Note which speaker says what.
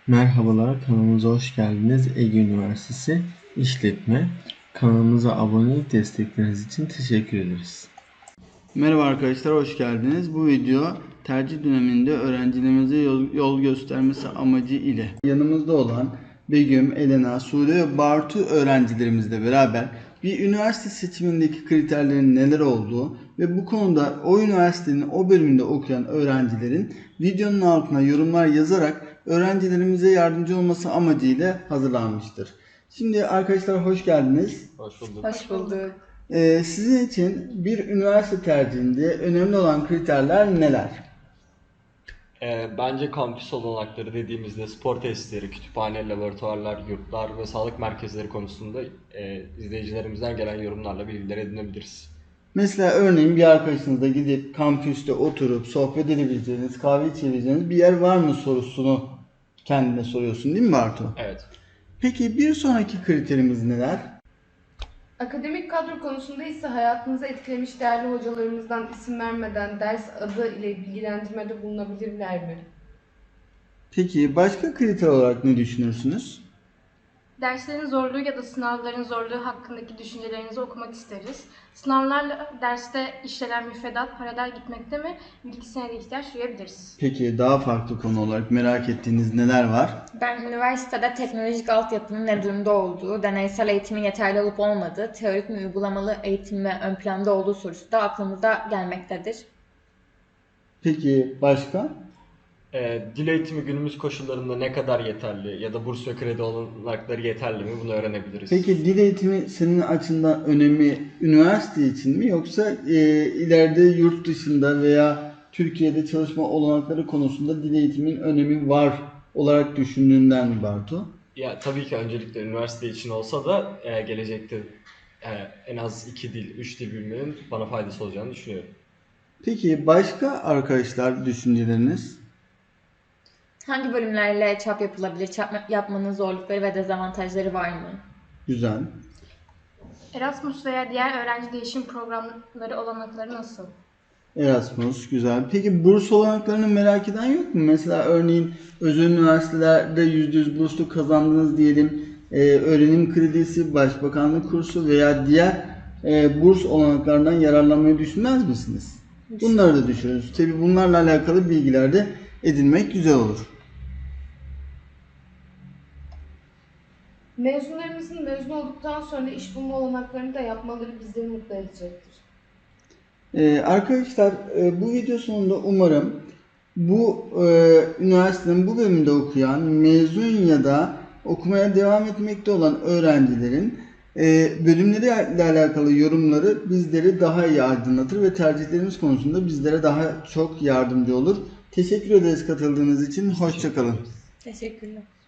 Speaker 1: Merhabalar, kanalımıza hoş geldiniz. Ege Üniversitesi İşletme. Kanalımıza abone olup destekleriniz için teşekkür ederiz.
Speaker 2: Merhaba arkadaşlar, hoş geldiniz. Bu video tercih döneminde öğrencilerimize yol göstermesi amacı ile yanımızda olan Begüm, Elena, Sude ve Bartu öğrencilerimizle beraber bir üniversite seçimindeki kriterlerin neler olduğu ve bu konuda o üniversitenin o bölümünde okuyan öğrencilerin videonun altına yorumlar yazarak öğrencilerimize yardımcı olması amacıyla hazırlanmıştır. Şimdi arkadaşlar hoş geldiniz.
Speaker 3: Hoş bulduk.
Speaker 4: Hoş bulduk.
Speaker 2: Sizin için bir üniversite tercihinde önemli olan kriterler neler?
Speaker 3: Bence kampüs olanakları dediğimizde spor tesisleri, kütüphane, laboratuvarlar, yurtlar ve sağlık merkezleri konusunda izleyicilerimizden gelen yorumlarla bilgiler edinebiliriz.
Speaker 2: Mesela örneğin bir arkadaşınızla gidip kampüste oturup sohbet edebileceğiniz, kahve içebileceğiniz bir yer var mı sorusunu kendine soruyorsun değil mi Bartu?
Speaker 3: Evet.
Speaker 2: Peki bir sonraki kriterimiz neler?
Speaker 4: Akademik kadro konusunda ise hayatınızı etkilemiş değerli hocalarımızdan isim vermeden ders adı ile bilgilendirmede bulunabilirler mi?
Speaker 2: Peki başka kriter olarak ne düşünürsünüz?
Speaker 5: Derslerin zorluğu ya da sınavların zorluğu hakkındaki düşüncelerinizi okumak isteriz. Sınavlarla derste işlenen müfredat paralel gitmekte mi? Bir iki senede ihtiyaç duyabiliriz.
Speaker 2: Peki daha farklı konu olarak merak ettiğiniz neler var?
Speaker 6: Ben üniversitede teknolojik altyapının ne durumda olduğu, deneysel eğitimin yeterli olup olmadığı, teorik mi uygulamalı eğitim ve ön planda olduğu sorusu da aklımıza gelmektedir.
Speaker 2: Peki başka?
Speaker 3: Dil eğitimi günümüz koşullarında ne kadar yeterli ya da burs ve kredi olanakları yeterli mi bunu öğrenebiliriz.
Speaker 2: Peki dil eğitimi senin açından önemi üniversite için mi yoksa ileride yurt dışında veya Türkiye'de çalışma olanakları konusunda dil eğitimin önemi var olarak düşündüğünden mi Bartu?
Speaker 3: Ya tabii ki öncelikle üniversite için olsa da gelecekte en az 2 dil, 3 dil bilmenin bana faydası olacağını düşünüyorum.
Speaker 2: Peki başka arkadaşlar düşünceleriniz?
Speaker 6: Hangi bölümlerle çap yapılabilir? Çap yapmanın zorlukları ve dezavantajları var mı?
Speaker 2: Güzel.
Speaker 5: Erasmus veya diğer öğrenci değişim programları olanakları nasıl?
Speaker 2: Erasmus güzel. Peki burs olanaklarını merak eden yok mu? Mesela örneğin özel üniversitelerde %100 burslu kazandınız diyelim. Öğrenim kredisi, başbakanlık kursu veya diğer burs olanaklarından yararlanmayı düşünmez misiniz? Bunları da düşünürüz. Tabii bunlarla alakalı bilgiler de edinmek güzel olur.
Speaker 4: Mezunlarımızın mezun olduktan sonra iş bulma olanaklarını da yapmaları bizleri mutlu edecektir.
Speaker 2: Arkadaşlar bu video sonunda umarım bu üniversitenin bu bölümünde okuyan, mezun ya da okumaya devam etmekte olan öğrencilerin bölümleriyle alakalı yorumları bizleri daha iyi aydınlatır ve tercihlerimiz konusunda bizlere daha çok yardımcı olur. Teşekkür ederiz katıldığınız için. Hoşça kalın.
Speaker 6: Teşekkürler.